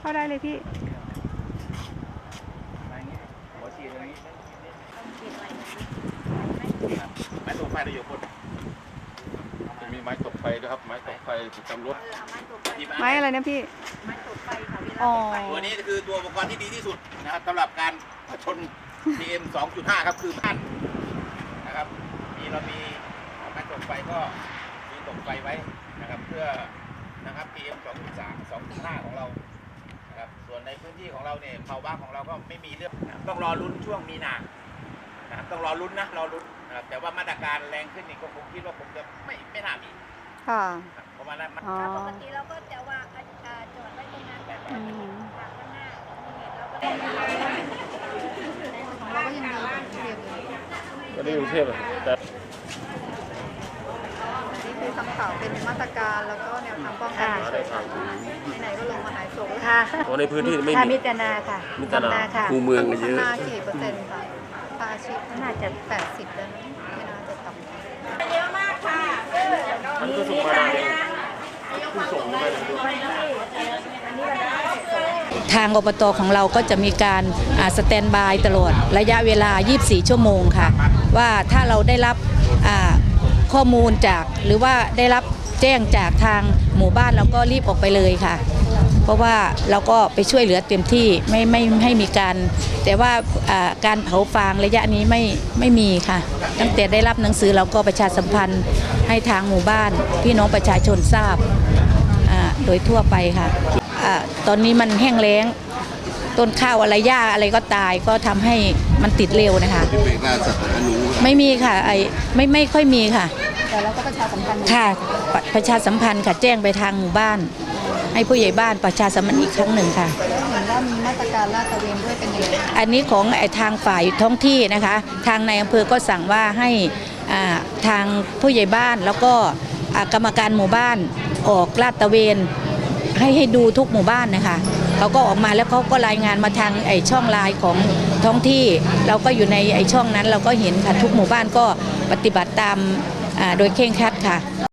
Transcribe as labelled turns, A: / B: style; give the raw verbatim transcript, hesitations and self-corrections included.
A: เข้าได้เลยพี่
B: หัวฉีดตรงนี้ไม้ตกไฟเราอยู่บน
C: จะมีไม้ตกไฟด้วยครับไม้ตกไฟประจำรถ
A: ไม้อะไรนะพี่
D: ไม้ตกไฟค่ะเวลา
A: อ๋อ
B: ตัวนี้คือตัวอุปกรณ์ที่ดีที่สุดนะครับสำหรับการผชน พี เอ็ม สองจุดห้า ครับคือพันนะครับมีเรามีไม้ตกไฟก็มีตกไฟไว้นะครับเพื่อนะครับ พี เอ็ม สองจุดสาม สองจุดห้า ของเรานะครับส่วนในพื้นที่ของเราเนี่ยภาวะของเราก็ไม่มีเรื่องต้องรอลุ้นช่วงมีนานะครับต้องรอลุ้นนะรอลุ้นนะครับแต่ว่ามาตรการแรงขึ้นนี่ก็คงคิดว่าผมจะไม่ไม่น่ามี
A: ค่ะ
B: เพราะว่านั้น
A: อ๋อ
D: ปกติเราก็จะวางจอดไว้ตรงนั้นแบบข้างหน้าเราก็ยังดีกว่าเทียบเลย
C: ก็ได้กรุงเทพแต่
A: นี่คือคำข่าวเป็นมาตรการแล้วก็แนวทางป้องกันไหนๆก็ลงมาหายโศก
D: ค่ะ
C: ในพื้นที่ไม่มี
D: มิตรนาค่ะ
C: มิตรนา
D: ค่ะ
C: คูเมืองเยอะ
A: นากี่เปอร์เซ็นต์ค่ะภาชีพน่าจะแปดสิบแล้วนะไม่น่าจะต่ำ
D: เยอะมากค่ะ
C: มันก็ส่งมาผู้ส่งมา
E: ทางอบต.ของเราก็จะมีการสแตนบายตลอดระยะเวลายี่สิบสี่ชั่วโมงค่ะว่าถ้าเราได้รับข้อมูลจากหรือว่าได้รับแจ้งจากทางหมู่บ้านเราก็รีบออกไปเลยค่ะเพราะว่าเราก็ไปช่วยเหลือเต็มที่ไม่ไม่ให้มีการแต่ว่าการเผาฟางระยะนี้ไม่ไม่มีค่ะตั้งแต่ได้รับหนังสือเราก็ประชาสัมพันธ์ให้ทางหมู่บ้านพี่น้องประชาชนทราบโดยทั่วไปค่ะตอนนี้มันแห้งแล้งต้นข้าวอะไรหญ้าอะไรก็ตายก็ทำให้มันติดเร็วนะคะไม่มีค่ะไอไม่ไม่ค่อยมีค่ะ
A: แต่เราก็ประชาสัมพันธ์
E: ค่ะประชาสัมพันธ์ค่ะแจ้งไปทางหมู่บ้านให้ผู้ใหญ่บ้านประชาสัมพันธ์อีกครั้งหนึ่งค่ะ
A: เห็นว่ามีมาตรการลาดตระเวนด้วยเป็นยังไง
E: อันนี้ของไอทางฝ่ายท้องที่นะคะทางในอำเภอก็สั่งว่าให้ทางผู้ใหญ่บ้านแล้วก็กรรมการหมู่บ้านออกลาดตระเวนให้ให้ดูทุกหมู่บ้านนะคะเขาก็ออกมาแล้วเขาก็รายงานมาทางไอช่องไลน์ของท้องที่เราก็อยู่ในไอช่องนั้นเราก็เห็นค่ะทุกหมู่บ้านก็ปฏิบัติตามโดยเคร่งครัดค่ะ